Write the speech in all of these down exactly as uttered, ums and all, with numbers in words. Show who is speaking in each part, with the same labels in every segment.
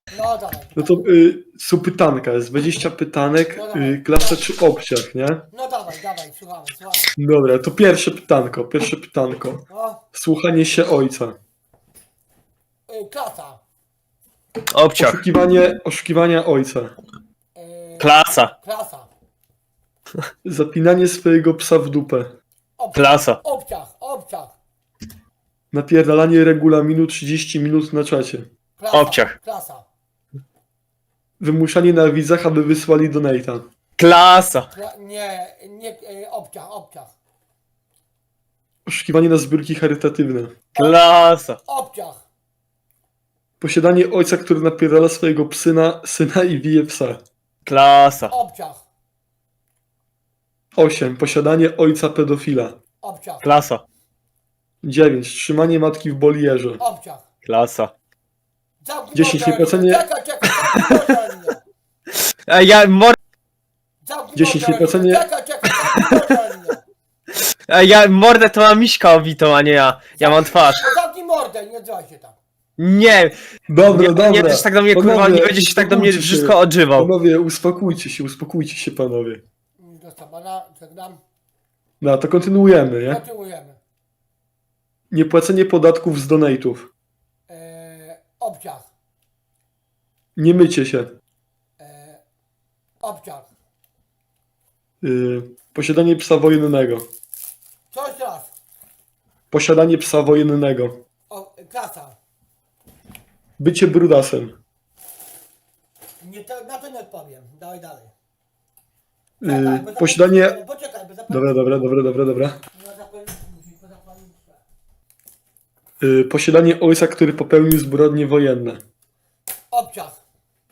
Speaker 1: No dawaj.
Speaker 2: No to y, są pytanka, jest dwadzieścia pytanek, y, klasa czy obciach, nie?
Speaker 1: No dawaj, dawaj, słuchamy, słuchamy.
Speaker 2: Dobra, to pierwsze pytanko, pierwsze pytanko.
Speaker 1: No,
Speaker 2: Słuchanie się ojca.
Speaker 1: y, klasa.
Speaker 3: Obciach.
Speaker 2: Oszukiwanie, oszukiwania ojca.
Speaker 1: Y,
Speaker 3: Klasa.
Speaker 1: klasa.
Speaker 2: Zapinanie swojego psa w dupę.
Speaker 1: Obciach.
Speaker 3: Klasa.
Speaker 1: Obciach, obciach.
Speaker 2: Napierdalanie regulaminu trzydzieści minut na czacie.
Speaker 1: Klasa.
Speaker 3: Obciach.
Speaker 1: Klasa.
Speaker 2: Wymuszanie na widzach, aby wysłali donata.
Speaker 3: Klasa.
Speaker 1: Kla nie, nie, y, obciach, obciach.
Speaker 2: Oszukiwanie na zbiórki charytatywne.
Speaker 3: Klasa.
Speaker 1: Obciach.
Speaker 2: Posiadanie ojca, który napierdala swojego psyna, syna i bije psa.
Speaker 3: Klasa.
Speaker 1: Obciach.
Speaker 2: osiem. Posiadanie ojca pedofila.
Speaker 1: Obciach.
Speaker 3: Klasa.
Speaker 2: dziewięć. Trzymanie matki w bolierze.
Speaker 1: Obciach.
Speaker 3: Klasa.
Speaker 1: Zamknij
Speaker 2: dziesięć.
Speaker 1: mordę,
Speaker 2: Niepłacenie-
Speaker 1: Czekaj, czekaj, zamknij mordę, Anię.
Speaker 3: Ej, ja mor...
Speaker 1: Zamknij
Speaker 2: dziesięć.
Speaker 1: mordę, Anię.
Speaker 2: Niepłacenie-
Speaker 1: Czekaj, czekaj, zamknij mordę, Anię.
Speaker 3: Ej, ja mordę to ma Miśka obitą, a nie ja. Ja mam twarz.
Speaker 1: No zamknij mordę, nie odzywaj się tam.
Speaker 3: Nie.
Speaker 2: Dobra,
Speaker 3: Nie,
Speaker 2: dobra.
Speaker 3: nie będziesz tak do mnie, kurwa,
Speaker 2: Panowie,
Speaker 3: nie będziesz się tak do mnie
Speaker 2: uspokójcie się.
Speaker 3: wszystko odżywał.
Speaker 2: Panowie, uspokójcie się, uspokójcie się, panowie.
Speaker 1: Do Stabana, żegnam.
Speaker 2: No, to kontynuujemy, nie?
Speaker 1: Kontynuujemy.
Speaker 2: Niepłacenie podatków z donate'ów.
Speaker 1: E, obciach.
Speaker 2: Nie mycie się.
Speaker 1: E, obciach.
Speaker 2: Yy, posiadanie psa wojennego.
Speaker 1: Co jeszcze raz?
Speaker 2: Posiadanie psa wojennego.
Speaker 1: O, klasa.
Speaker 2: Bycie brudasem.
Speaker 1: Nie, to, na to nie odpowiem. Dawaj dalej.
Speaker 2: Yy,
Speaker 1: Czekaj, bo
Speaker 2: posiadanie...
Speaker 1: zapomnij- Poczekaj, bo zapomnij-
Speaker 2: Dobra, dobra, dobra, dobra, dobra.
Speaker 1: No, zapomnij- musi- zapomnij-
Speaker 2: Yy, posiadanie ojca, który popełnił zbrodnie wojenne.
Speaker 1: Obciach.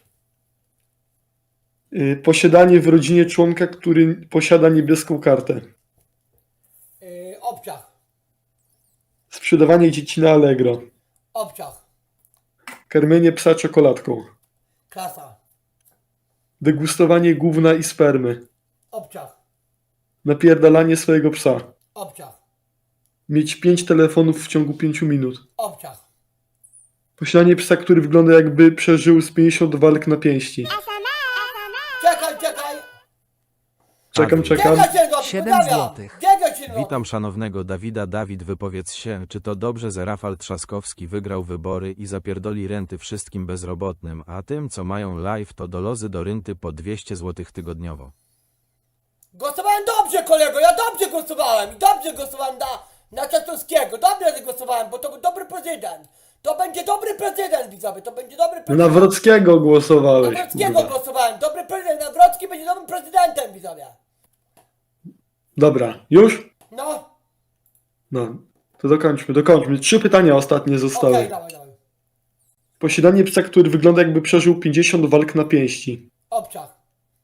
Speaker 2: Yy, posiadanie w rodzinie członka, który posiada niebieską kartę.
Speaker 1: E, obciach.
Speaker 2: Sprzedawanie dzieci na Allegro.
Speaker 1: Obciach.
Speaker 2: Karmienie psa czekoladką.
Speaker 1: Klasa.
Speaker 2: Degustowanie gówna i spermy.
Speaker 1: Obciach.
Speaker 2: Napierdalanie swojego psa.
Speaker 1: Obciach.
Speaker 2: Mieć pięć telefonów w ciągu pięciu minut.
Speaker 1: Obciach.
Speaker 2: Posiadanie psa, który wygląda jakby przeżył z pięćdziesiąt walk na pięści.
Speaker 1: Czekaj, czekaj.
Speaker 2: Czekam,
Speaker 4: Adi.
Speaker 2: czekam.
Speaker 1: Czekaj się go
Speaker 4: Siedem złotych.
Speaker 1: Czekaj się go.
Speaker 4: Witam szanownego Dawida. Dawid, wypowiedz się, czy to dobrze, że Rafał Trzaskowski wygrał wybory i zapierdoli renty wszystkim bezrobotnym, a tym, co mają live, to dolozy do rynty po dwieście złotych tygodniowo.
Speaker 1: Głosowałem dobrze, kolego, ja dobrze głosowałem i dobrze głosowałem na, na Czartoryskiego. Dobrze głosowałem, bo to był dobry prezydent. To będzie dobry prezydent, widzowie, to będzie dobry
Speaker 2: Na
Speaker 1: prezydent.
Speaker 2: Nawrockiego głosowałeś.
Speaker 1: Nawrockiego
Speaker 2: kurwa.
Speaker 1: głosowałem, dobry prezydent. Nawrocki będzie dobrym prezydentem, widzowie.
Speaker 2: Dobra, już?
Speaker 1: No,
Speaker 2: No, to dokończmy, dokończmy. Trzy pytania ostatnie
Speaker 1: okej,
Speaker 2: zostały.
Speaker 1: dawaj, dawaj.
Speaker 2: Posiadanie psa, który wygląda jakby przeżył pięćdziesiąt walk na pięści.
Speaker 1: Obciach,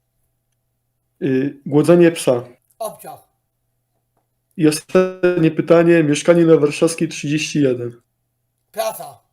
Speaker 2: Yy, głodzenie psa.
Speaker 1: obciach.
Speaker 2: I ostatnie pytanie. Mieszkanie na Warszawskiej trzydzieści jeden.
Speaker 1: Klasa.